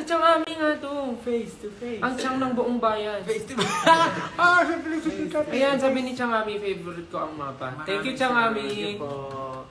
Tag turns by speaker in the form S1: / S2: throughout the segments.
S1: Chang Ami nga to.
S2: Face to face.
S1: Ang Chang ng buong bayan.
S2: Face to face. Siyempre si
S1: Ayan, sabi ni Chang Ami, favorite ko ang mapa. Thank you, Chang Ami.
S2: Thank you po.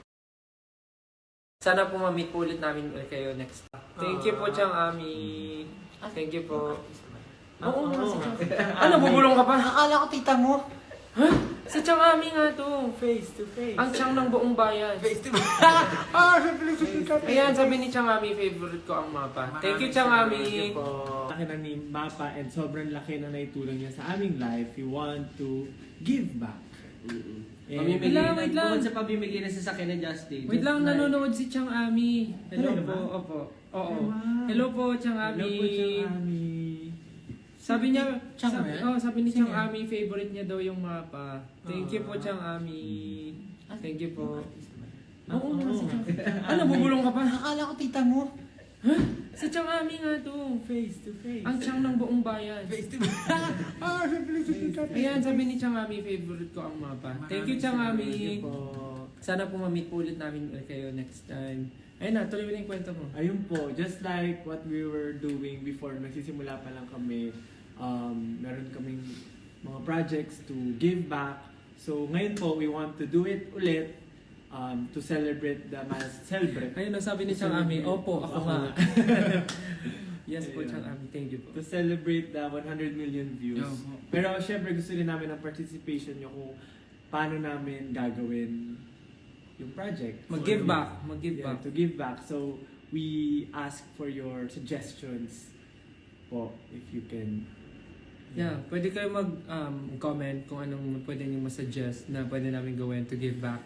S1: Sana po ma-meet po ulit namin kayo next time. Thank you po, Chang Ami. Thank you po. Oo nga, si Chang. Ano, bubulong ka pa?
S2: Akala ko tita mo.
S1: Si Chang Ami nga to.
S2: Face to face.
S1: Ang Chang ng buong bayan.
S2: Face to face. Siyempre si
S1: Ayan, sabi ni Chang Ami, favorite ko ang mapa. Thank you, Chang Ami.
S2: Thank you po.
S3: Laki na ni Mapa and sobrang laki na naitulong niya sa aming life. We want to give back. And
S1: Wait lang, wait lang.
S4: Bukod sa pamimigay na sasakyan na Justin.
S1: Wait lang, nanonood si Chang Ami. Hello
S3: Hello
S1: po,
S3: ba?
S1: opo. Oo.
S3: Wow.
S1: Hello po, Chang Ami.
S3: Hello po, Chang Ami.
S1: Sabi niya,
S2: Chang
S1: sabi,
S2: ba yan?
S1: sabi ni
S2: Sino
S1: Chang
S2: yan?
S1: Ami, favorite niya daw yung mapa. Thank you po, Chang Ami. Thank you po. Oo nga, si Chang. Ano, bubulong ka pa?
S2: Akala ko tita mo.
S1: Si Chang Ami nga to.
S2: Face to face.
S1: Ang Chang ng buong bayan.
S2: Face to face. Siyempre si
S1: Ayan, sabi ni Chang Ami, favorite ko ang mapa. Thank you, Chang Ami.
S3: Thank you po.
S1: Sana po ma-meet po ulit namin kayo next time. Ayun na, tuloy mo na yung kwento mo.
S3: Ayun po, just like what we were doing before, nagsisimula pa lang kami, meron kaming mga projects to give back. So ngayon po, we want to do it ulit to celebrate the celebrate.
S1: Ayun na, sabi ni Chang Ami, opo, ako nga. Yes po,
S3: Ayun.
S1: Chang Ami, thank you po.
S3: To celebrate the 100 million views.
S1: Yeah.
S3: Pero syempre gusto rin namin ang participation nyo kung paano namin gagawin yung project.
S1: Mag-give
S3: So,
S1: back, mag-give
S3: yeah,
S1: back.
S3: to give back. So we ask for your suggestions po if you can.
S1: Yeah, pwede kayo mag-comment kung anong pwede niyo masuggest na pwede namin gawin to give back.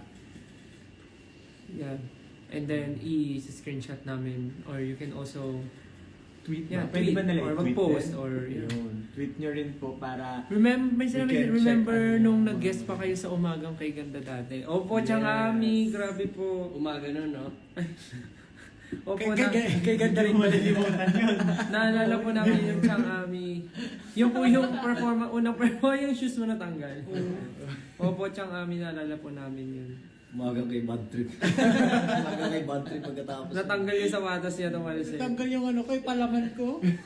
S1: Yeah. And then, i-screenshot namin. Or you can also,
S3: Tweet
S1: yeah,
S3: ba? Pwede
S1: tweet
S3: ba nila
S1: or
S3: i-tweet
S1: mag-post
S3: din?
S1: or, yeah.
S3: Yun. Tweet nyo rin po para
S1: May sinabi,
S3: We can
S1: remember
S3: check ano
S1: nung
S3: yung
S1: nag-guest
S3: mga-
S1: pa kayo sa umagang kay Ganda dati. Opo, Chang
S3: Yes.
S1: Ami, grabe po.
S4: Umaga nun, no?
S1: Opo,
S2: Kay ganda rin ba?
S3: malilimutan yun.
S1: naalala po namin yung Chang Ami. Yung po yung unang performance, yung shoes mo natanggal. Opo, Chang Ami, naalala po namin yun.
S5: Umaga kay bad trip. Umaga kay bad trip pagkatapos.
S1: Natanggal yung sapatos niya tumalis eh.
S2: Tanggal yung ano ko, yung palaman ko.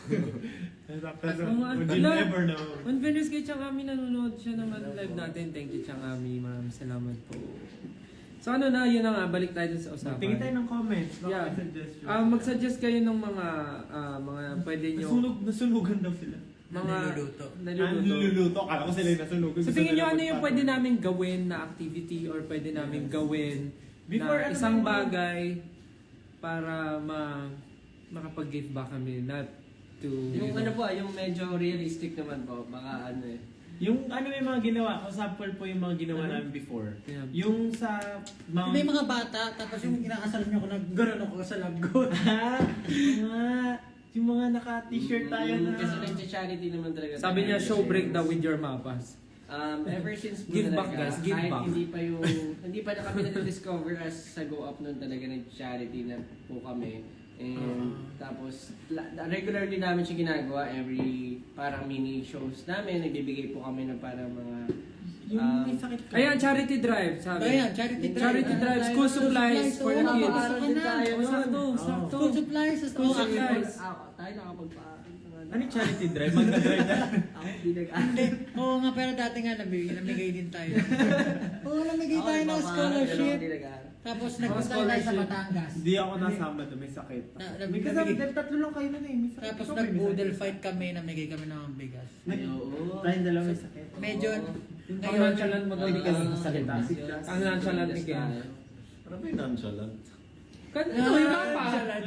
S3: Pero
S1: Mga-
S3: you
S1: Ala,
S3: never know.
S1: On fairness kay Chang Ami, nanonood siya naman live natin. Thank you, Chang Ami. Maraming salamat po. So ano na, yun na nga, balik tayo dun sa usapan.
S3: Tingin tayo ng comments. Baka
S1: Yeah.
S3: may suggestion.
S1: Mag-suggest kayo ng mga pwede nyo,
S3: Nasunugan daw sila.
S1: mga
S2: Niluluto.
S3: Niluluto. Akala ko sila yung nasunugan.
S1: So
S3: Gusto
S1: tingin nyo
S3: nila
S1: ano yung
S3: magpatong.
S1: pwede namin gawin na activity or pwede namin gawin
S3: Before,
S1: na
S3: ano
S1: isang
S3: ba yung mga-
S1: bagay para makapag-give back kami, not to...
S4: Yung ano po, yung medyo realistic naman po. Baka ano eh.
S3: Yung ano may mga ginawa, for example po yung mga ginawa
S1: Ano?
S3: namin before.
S1: Yeah.
S3: Yung sa Mount...
S2: May mga bata, tapos yung inaasalan niyo ko na gano'n ako sa lagot.
S3: yung mga naka-t-shirt tayo na...
S4: Kasi nag-charity naman talaga.
S1: Sabi niya,
S4: tayo.
S1: show break daw with your mapas.
S4: Ever since po
S1: Give back,
S4: talaga,
S1: guys, give
S4: kahit
S1: back.
S4: hindi pa na kami na-discover as sa Go Up noon talaga nag-charity na po kami. And tapos regularly namin siya ginagawa every parang mini shows namin. Nagbibigay po kami ng parang mga
S3: Yung may sakit ka.
S1: Ayan, charity drive, sabi.
S2: Ayan, charity drive.
S1: Charity drive, school supplies for the kids.
S4: Mapapaaral din tayo
S1: Oh,
S4: nun.
S1: sakto, sakto.
S2: School supplies sa
S1: School
S2: school.
S1: supplies.
S4: Tayo nakapagpaaral.
S3: Ano yung charity drive? Magna-drive na.
S4: Ako hindi
S2: Hindi. Oo nga, pero dati nga namigay din tayo. Oo, namigay tayo ng scholarship. Tapos nagpunta tayo sa
S1: scholarship.
S2: Batangas.
S3: Hindi ako nasama doon, may sakit. May kasama, dahil tatlo lang kayo nun eh. May sakit.
S2: Tapos
S3: Ikaw ba may
S2: nag-boodle
S3: sakit?
S2: fight kami, namigay kami ng bigas.
S4: Oo.
S3: Tayong dalawa may sakit.
S2: Medyo,
S1: Ang
S2: ngayon,
S1: nonchalant mo daw ni Ken. Ang nonchalant ni Ken.
S5: Ano ba yung nonchalant?
S1: Ano yung mapa?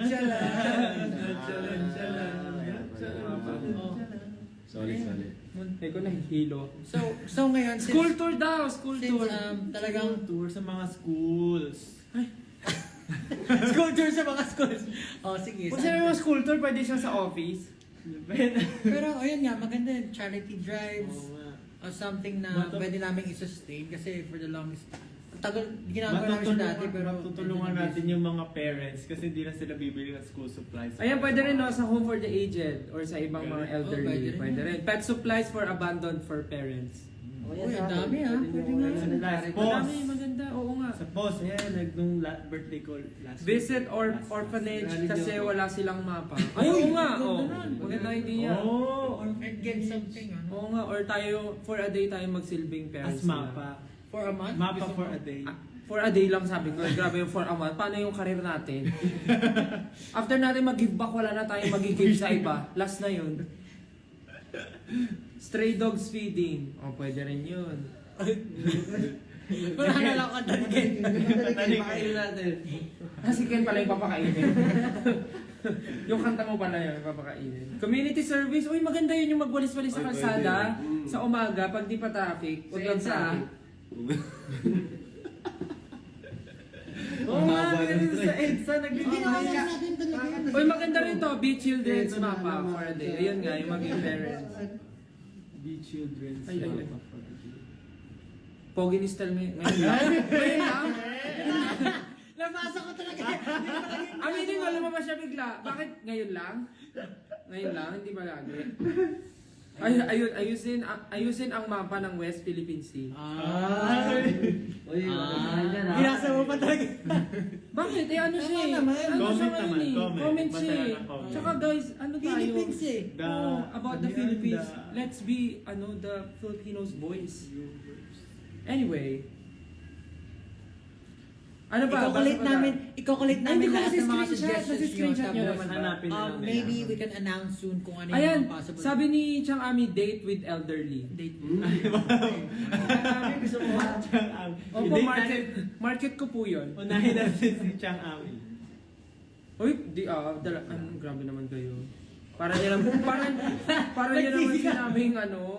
S5: Sorry.
S1: Munti ko nahihilo.
S2: so ngayon,
S1: School tour daw, school
S2: since
S1: tour.
S2: talagang
S3: Tour sa mga schools.
S2: school tour sa mga schools. Oh, sige.
S1: Kung sinabi mo school tour, pwede siya sa office.
S2: Pero ayun nga, maganda yun, charity drives
S3: Oo nga.
S2: or something na pwede namin i-sustain kasi for the longest tagal ginagawa namin siya dati pero
S3: Matutulungan natin yung mga parents kasi hindi na sila bibili ng school supplies.
S1: Ayan, pwede rin no, sa home for the aged or sa ibang mga elderly.
S2: pwede rin
S1: Pwede
S2: yan.
S1: rin. Pet supplies for abandoned for parents.
S2: Uy, ang dami ah. Pwede nga.
S3: Last
S1: Madami,
S3: pause.
S1: maganda. Oo nga.
S3: Sa pause, ayan, nung birthday ko last
S1: Visit or
S3: last-
S1: orphanage
S4: Last-
S1: kasi wala silang mapa. Ay, oo nga. Oo. idea.
S3: Oh,
S2: Or get something, ano?
S1: Oo nga, or tayo, for a day tayo magsilbing parents
S3: as mapa.
S2: For a month?
S3: Mapa
S2: Gusto
S3: for
S2: mo?
S3: a day.
S1: For a day lang sabi ko, grabe yung for a month. Paano yung career natin? After natin mag-give back, wala na tayong mag-give sa iba. Last na yun. Stray dogs feeding. Oh, pwede rin yun.
S2: Wala na lang katagin.
S4: Pakainin natin.
S1: Kasi Ken pala yung papakainin. Yung kanta mo pala yun, papakainin. Community service. Uy, maganda yun yung magwalis-walis sa
S5: Ay,
S1: kalsada.
S5: pwede.
S1: Sa umaga, pag di pa traffic. Huwag
S4: Sa
S1: lang
S4: EDSA,
S1: traffic.
S3: Oo nga, meron sa EDSA,
S2: Hindi na kaya natin talaga yan.
S1: Uy, maganda rin to. Be Children's Mapa for a day. Ayun nga, yung maging parents.
S3: Be children's
S1: Ay, ay, ay.
S3: mapa for a day.
S1: Pogi ni Stel ngayon lang. Ngayon lang.
S2: Nabasa ko talaga.
S1: Aminin mo, lumabas siya bigla. Bakit ngayon lang? Ngayon lang, hindi ba lagi? Ayusin ang mapa ng West Philippine Sea.
S4: Uy,
S2: Binasa mo pa talaga.
S1: Bakit? Eh ano siya eh?
S2: naman.
S1: Ano
S3: Comment
S1: siya
S3: naman,
S1: ngayon eh?
S3: comment.
S1: Comment
S3: Basta
S1: siya
S3: lang
S1: eh.
S3: ang comment.
S1: Tsaka guys, ano tayo?
S2: Philippines eh.
S1: Oh, about the
S3: Yan,
S1: Philippines.
S3: the-
S1: Let's be, the Filipinos voice. Anyway. Ano ba?
S2: Iko-collect
S1: Basta ba?
S2: namin
S1: Ay, hindi ko
S2: lahat
S1: kasi
S2: ng mga
S1: screenshot.
S2: suggestions nyo.
S1: Nasi-screenshot nyo
S2: Tapos,
S1: naman.
S3: Hanapin na lang nila.
S2: maybe we can announce soon kung ano yung
S1: Ayan,
S2: mga possible.
S1: sabi ni Chang Ami, date with elderly.
S2: Date.
S3: Gusto mo ba Chang Ami?
S1: Opo,
S3: Hindi,
S1: market ko po yun.
S3: Unahin natin si Chang Ami.
S1: Uy, grabe naman kayo. Para niya naman, para niya naman sinabing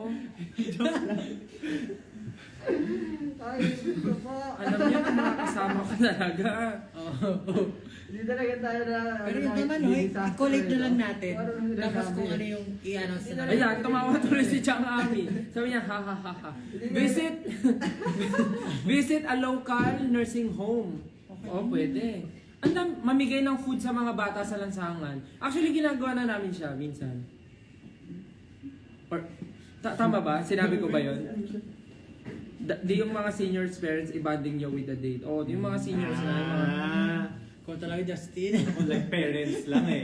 S1: alam niya kung mga kasama ko talaga.
S4: Hindi talaga tayo na...
S2: Pero yun naman, i-collect na lang natin. Tapos kung ano yung i-announce na natin.
S1: Ayan, tumawa tuloy si Chang Ami. Sabi niya, ha ha ha ha. Visit a local nursing home. Oh, pwede. Mamigay ng food sa mga bata sa lansangan. Actually, ginagawa na namin siya minsan. Or, tama ba? Sinabi ko ba yun? Di yung mga seniors parents i-bonding nyo with the date. Oh, yung mga seniors na. Yung mga,
S2: Kung talaga Justin.
S3: Ako like parents lang eh.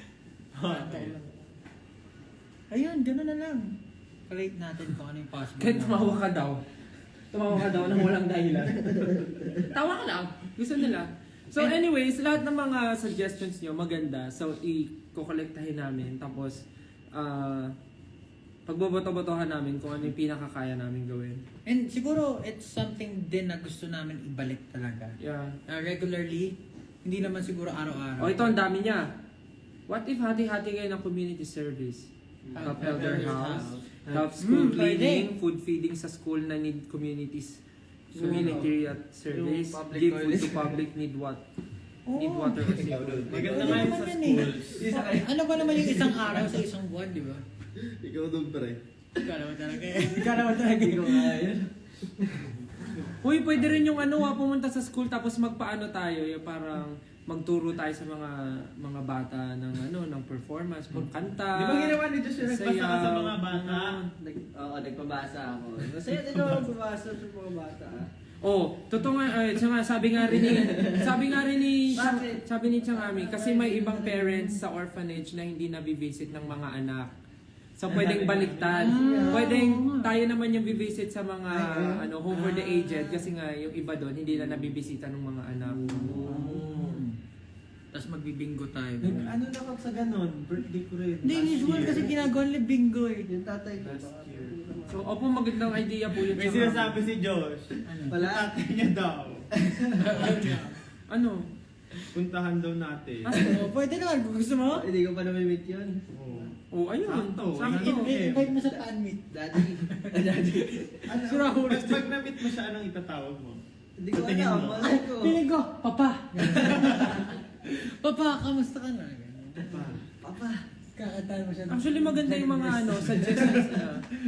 S2: Ayun, gano'n na lang. Collect natin kung ano yung possible.
S1: kahit tumawa ka daw. Tumawa ka daw nang walang dahilan. Tawa ka lang. Gusto nila. So anyways, lahat ng mga suggestions nyo maganda. So i-collectahin namin. Tapos, pagboboto-botohan namin kung ano yung pinakakaya namin gawin.
S2: And siguro, it's something din na gusto namin ibalik talaga.
S1: Yeah.
S2: Regularly, hindi naman siguro araw-araw.
S1: O ito, ang dami niya. What if hati-hati kayo ng community service? Help elder house, help school cleaning, food feeding sa school na need community service,
S4: Yung public
S1: give food to
S4: toilet.
S1: public need what?
S2: Oo.
S1: Need water kasi.
S3: Maganda nga yun sa
S2: Naman yan eh.
S3: schools.
S2: Ano ba naman yung isang araw sa isang buwan, di ba?
S5: Ikaw doon pre.
S2: Ikaw naman talaga eh. Ikaw naman talaga.
S4: Hindi ko kaya.
S1: Uy, pwede rin yung pumunta sa school tapos magpaano tayo, yung parang magturo tayo sa mga bata ng performance, magkanta.
S3: Di ba ginawa ni Josh yung nagbasa ka sa mga bata?
S4: Oo, nagpabasa ako. Masaya din ako magbabasa sa mga bata.
S1: Oh, totoo nga, sabi nga rin ni
S4: Bakit?
S1: sabi ni Chang Ami, kasi may ibang parents sa orphanage na hindi nabivisit ng mga anak. So pwedeng baliktad. Pwedeng tayo naman yung bivisit sa mga home for the aged kasi nga yung iba doon hindi na nabibisita ng mga anak.
S2: Tapos magbibingo tayo.
S3: Ano na kag sa ganon? Birthday ko rin.
S2: Hindi,
S3: last
S2: usual
S3: year.
S2: kasi ginagawa nila bingo eh.
S4: Yung tatay ko.
S3: Last year.
S1: So, opo, magandang idea po yun.
S3: May
S1: Chang Ami.
S3: sinasabi si Josh.
S4: Wala.
S3: Tatay niya daw.
S1: Ano?
S3: Puntahan daw natin.
S2: Oh, pwede naman kung gusto mo.
S4: Hindi ko pa na-meet yun.
S3: Oo.
S1: Oh, ayun.
S3: Sakto.
S1: Sakto.
S2: Invite mo sa fan meet.
S4: Daddy. Daddy.
S3: Ano,
S2: Si Rahul.
S3: pag na-meet mo siya, anong itatawag mo?
S4: Hindi ko
S3: Patingin
S4: alam.
S3: mo.
S4: Malay ko.
S2: Piling ko, Papa. Papa, kamusta ka na?
S4: Papa.
S2: Kakataan mo siya.
S1: Actually, maganda yung mga suggestions na.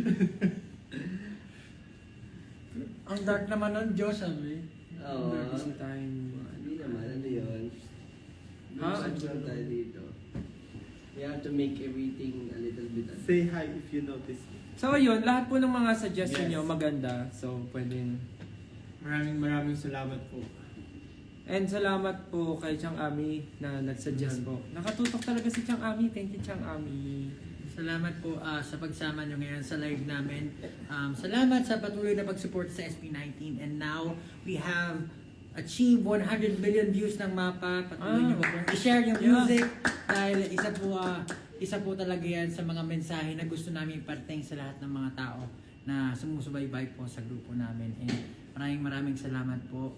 S2: Ang dark naman nun, Diyos, sabi.
S4: Oo.
S1: Busy time.
S4: Hindi naman. Ano yun?
S1: Ha?
S4: Ano tayo dito? We have to make everything a little bit.
S3: Say hi if you notice me.
S1: So, ayun, lahat po ng mga suggestion
S3: Yes.
S1: nyo maganda. So, pwedeng.
S3: Maraming salamat po.
S1: And salamat po kay Chang Ami na nagsuggest po. Nakatutok talaga si Chang Ami. Thank you, Chang Ami.
S2: Salamat po sa pagsama nyo ngayon sa live namin. Salamat sa patuloy na pag-support sa SB19. And now, we have achieved 100 million views ng mapa. Patuloy nyo po kung i-share yung music. Dahil isa po talaga yan sa mga mensahe na gusto namin iparating sa lahat ng mga tao na sumusubaybay po sa grupo namin. And maraming salamat po.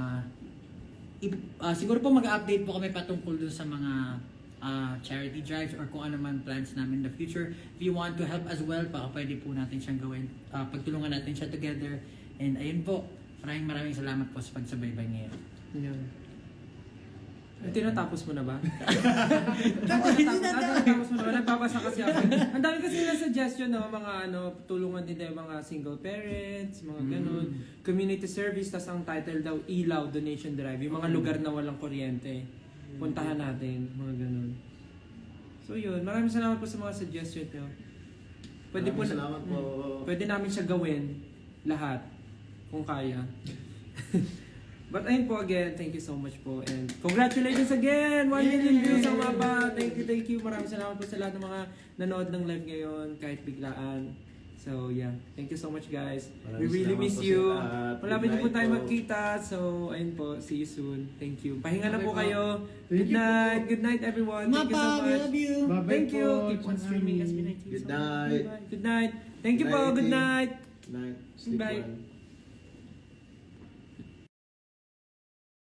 S2: Siguro po mag-update po kami patungkol dun sa mga charity drives or kung ano man plans namin in the future. If you want to help as well, baka pwede po natin siyang gawin. Pagtulungan natin siya together. And ayun po, maraming salamat po sa pagsabaybay ngayon.
S1: Yun. Tinatapos mo na ba?
S2: Tinatapos
S1: mo na ba? Nagbabasa kasi ako. Ang dami kasi na suggestion no, mga tulungan din tayo mga single parents, mga ganun. Community service, tas ang title daw, ilaw, donation drive. Yung mga lugar na walang kuryente. Puntahan natin, mga ganun. So yun, maraming salamat po sa mga suggestion nyo.
S5: Salamat po.
S1: Pwede namin siya gawin lahat kung kaya. But ayun po again, thank you so much po and congratulations again! 1 million views ang mapa! Thank you. Maraming salamat po sa lahat ng mga nanood ng live ngayon kahit biglaan. So yeah, thank you so much guys. We really miss you. Malapit na po tayo magkita. So ayun po, see you soon. Thank you. Pahinga na po kayo. Good night everyone. Thank you so
S2: Mapa, we
S1: much.
S2: love you.
S1: Thank you. Keep on streaming SB19.
S5: Good night.
S1: Good night. Thank you po. Good night.
S5: Good night. Sleep
S1: Bye.
S5: well.